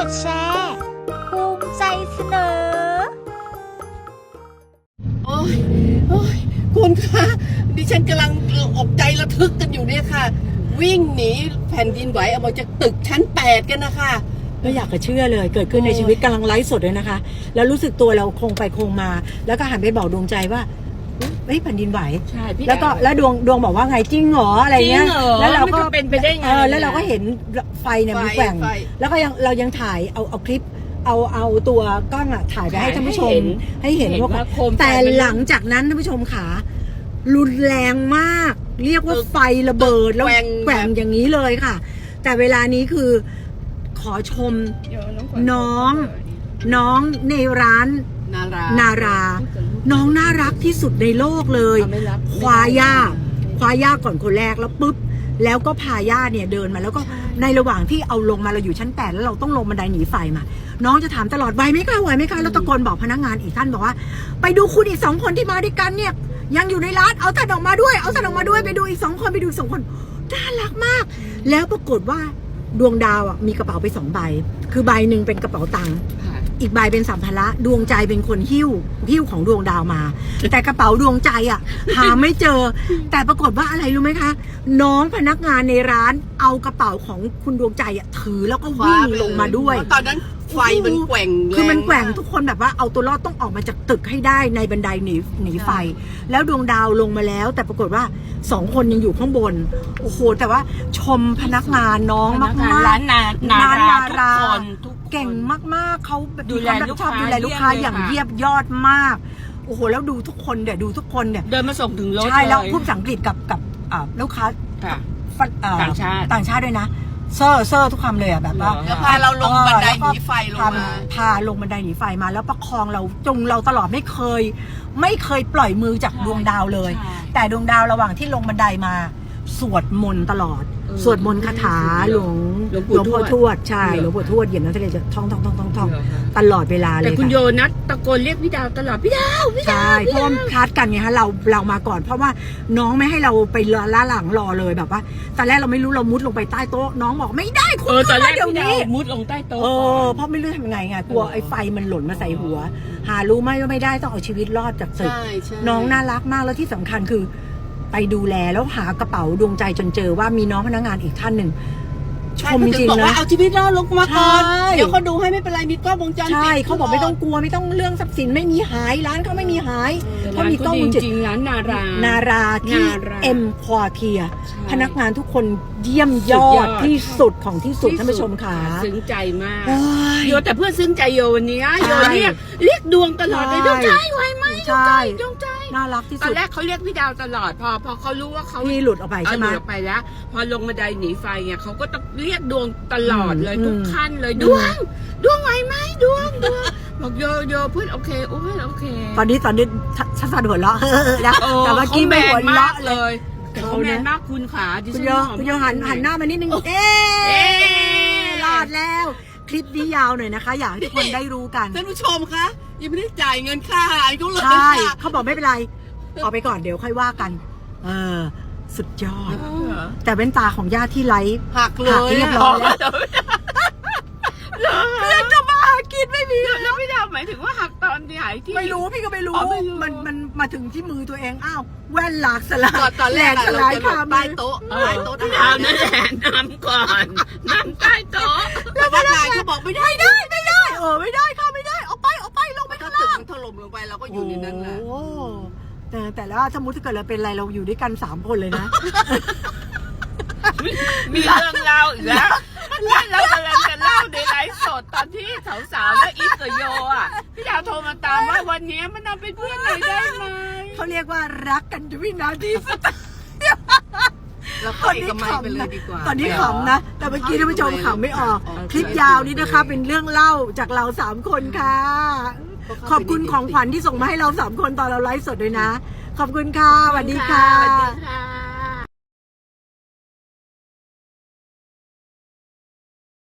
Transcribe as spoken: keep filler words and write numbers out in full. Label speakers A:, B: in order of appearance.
A: ดแชร์ภูมิใจเสนอ
B: โอ้ยโอ้ยคุณคะดิฉันกำลังอกใจระทึกกันอยู่เนี่ยค่ะวิ่งหนีแผ่นดินไหวออกมาจากตึกชั้นแปดกันนะคะ
C: ไม่อยากจะเชื่อเลยเกิดขึ้นในชีวิตกำลังไลฟ์สดเลยนะคะแล้วรู้สึกตัวเราคงไปคงมาแล้วก็หันไปบอกดวงใจว่าเฮ้ยแผ่นดินไหว
B: ใช่พี่
C: แล้วก็แล้วดวงดวงบอกว่าไงจริงเหรออะไรเงี้ย
B: แล้วเราก็
C: เป็นไปได้ไงแล้วเราก็เห็นไฟเนี่ยมันแกว่งแล้วก็ยังเรายังถ่ายเอาเอาคลิปเอาเอาตัวกล้องอะถ่ายไปให้ท่านผู้ชมให้เห็นว่าแต่หลังจากนั้นท่านผู้ชมขารุนแรงมากเรียกว่าไฟระเบิดแล้วแกว่งอย่างนี้เลยค่ะแต่เวลานี้คือขอชมน้องน้องในร้าน
B: นารา
C: นาราน้องน่ารักที่สุดในโลกเลยคว้าย่าคว้าย่าก่อนคนแรกแล้วปุ๊บแล้วก็พาย่าเนี่ยเดินมาแล้วก็ในระหว่างที่เอาลงมาเราอยู่ชั้นแปดแล้วเราต้องลงบันไดหนีไฟมาน้องจะถามตลอดไหวไหมคะไหวไหมคะแล้วตะโกนบอกพนักงานอีกท่านบอกว่าไปดูคุณอีกสองคนที่มาด้วยกันเนี่ยยังอยู่ในร้านเอาท่านออกมาด้วยเอาท่านออกมาด้วยไปดูอีกสองคนไปดูอีกสองคนน่ารักมากแล้วปรากฏว่าดวงดาวอ่ะมีกระเป๋าไปสองใบคือใบหนึ่งเป็นกระเป๋าตังค์อีกใบเป็นสัมภาระดวงใจเป็นคนหิ้วหิ้วของดวงดาวมาแต่กระเป๋าดวงใจอ่ะหาไม่เจอแต่ปรากฏว่าอะไรรู้ไหมคะน้องพนักงานในร้านเอากระเป๋าของคุณดวงใจอ่ะถือแล้วก็วิ่งลงมาด้วย
B: ตอนนั้นไฟมันแกว่ง
C: คือมันแกว่งทุกคนแบบว่าเอาตัวรอดต้องออกมาจากตึกให้ได้ในบันไดหนีหนีไฟแล้วดวงดาวลงมาแล้วแต่ปรากฏว่าสองคนยังอยู่ข้างบนโอ้โหแต่ว่าชมพนักงานน้องมากๆ
B: ร้านนานาราทุกคน
C: เก่งมากๆเขาดูแลลูกค้าดูแลลูกค้าอย่างเยียบยอดมากโอ้โหแล้วดูทุกคนเดี๋ยวดูทุกคนเนี่ย
B: เดินมาส่งถึงรถ
C: ใช่แล้วพูดภาษาอังกฤษกับกับลูกค้า
B: ต่างชาติ
C: ต่างชาติด้วยนะเซอร์เซอร์ทุกคำเลยอ่ะแบบว่า
B: พาเราลงบันไดหนีไฟลงมา
C: พาลงบันไดหนีไฟมาแล้วประคองเราจงเราตลอดไม่เคยไม่เคยปล่อยมือจากดวงดาวเลยแต่ดวงดาวระหว่างที่ลงบันไดมาสวดมนต์ตลอดสวดมนต์คาถาหลวงหลวงพ่อทวดใช่หลวงพ่อทวดเหยียบน้ำทะเลจะท่องท่องท่องท่องท่องตลอดเวลาเลย
B: แต่คุณโยนัทตะโกนเรียกพี่ดาวตลอดพี่ดาวพี่ดาว
C: ใช่เพราะว่าคลาดกันไงฮะเราเรามาก่อนเพราะว่าน้องไม่ให้เราไปล่าหลังรอเลยแบบว่าตอนแรกเราไม่รู้เรามุดลงไปใต้โต๊ะน้องบอกไม่ได้คุณ
B: ตอนแรกพี่ดาวมุดลงใต้โต๊ะ
C: เออเพราะไม่รู้ทำยังไงไงกลัวไอ้ไฟมันหล่นมาใส่หัวหารู้ไหมว่าไม่ได้ต้องเอาชีวิตรอดจากศึกน้องน่ารักมากแล้วที่สำคัญคือไปดูแลแล้วหากระเป๋าดวงใจจนเจอว่ามีน้องพนักงานอีกท่านหนึ่งชมจริงๆนะ
B: เอาชีวิตรอดลงมาก่อนเดี๋ยวเขาดูให้ไม่เป็นไรมีกล้องวงจรปิด
C: ใช่เขาบอกไม่ต้องกลัวไม่ต้องเรื่องทรัพย์สินไม่มีหายร้านเขาไม่มีหายเขามีกล้องวงจรปิด
B: ร้านนารา
C: นาราที่เอ็มควอเทียพนักงานทุกคนเยี่ยมยอดที่สุดของที่สุดท่านผู้ชมค่ะ
B: ซึ้งใจมากโยแต่เพื่อนซึ้งใจโยวันนี้โยเรียกเรียกดวงตลอดเลยดวงใจไหวไหมดวงใจดวงใจ
C: น่ารักที่สุด
B: ตอนแรกเขาเรียกพี่ดาวตลอดพอพอเขารู้ว่าเขา
C: พี่หลุดออกไปใช่ไหม
B: หลุดออกไปแล้วพอลงบันไดหนีไฟเนี่ยเขาก็ต้องเรียกดวงตลอดเลยทุกขั้นเลยดวงดวงไหวไหมดวงดวงบอกโยโยเพื่อนโอเคโอ้ยโอเค
C: ตอนนี้ตอนนี้ชัดๆหัวเราะนะแต่เมื่อกี้ไม่หัวเราะเลย
B: เขาแมนมากคุณขา
C: คุณโยคุณโยหันหันหน้ามานิดนึงเอ๊รอดแล้วคลิปนี้ยาวหน่อยนะคะอยากให้ทุกคนได้รู้กัน
B: ท่านผู้ชมคะยังไม่ได้จ่ายเงินค่าอาหารเขาเลย
C: ใช่เขาบอกไม่เป็นไรเอาไปก่อนเดี๋ยวค่อยว่ากันเออสุดยอดแต่เว้นตาของญาติที่ไลฟ์
B: หักเลย
C: เรียบร้อยแล้วเพื่อนจะมากินไม่มี
B: แล้วพี่ดาวหมายถึงว่าหักตอนที่หายที่
C: ไม่รู้พี่ก็ไม่รู้มันมันมาถึงที่มือตัวเองอ้าวแว่นหลากสลาย
B: ตอนแรก
C: สลายค่ะ
B: ใต้โต๊ะใต้โต๊ะที่ดาวนั่นแหละน้ำก่อนน้ำใต้โต๊ะแล้วพนักงานเขาบอกไม่ได้
C: ไม่ได้ไม่ได้เออไม่ได้ค่ะไม่ได้เอาไปเอาไปลงไปข้างล่าง
B: ถล่มลงไปเราก็อยู่ในนั้นแหละ
C: แต่แต่แล้วสมมติถ้าเกิดเราเป็นอะไรเราอยู่ด้วยกันสามคนเลยนะ
B: มีเรื่องเล่าอีกแล้วเรากำลังจะเล่าในไลฟ์สดตอนที่สาวๆและอีกกับโยอ่ะพี่ดาวโทรมาตามว่าวันนี้มันเอาเป็นเพื่อนหน่อยได้ไหม
C: เขาเรียกว่ารักกันด้วยนาทีสุด
B: แล้วตอนนี้ขำนะ
C: ตอนนี้ขำนะแต่เมื่อกี้ท่านผู้ชมขำไม่ออกคลิปยาวนี้นะคะเป็นเรื่องเล่าจากเราสามคนค่ะขอบคุณของขวัญที่ส่งมาให้เราสามคนตอนเราไลฟ์สดด้วยนะขอบคุณค่ะสวัสดีค่ะ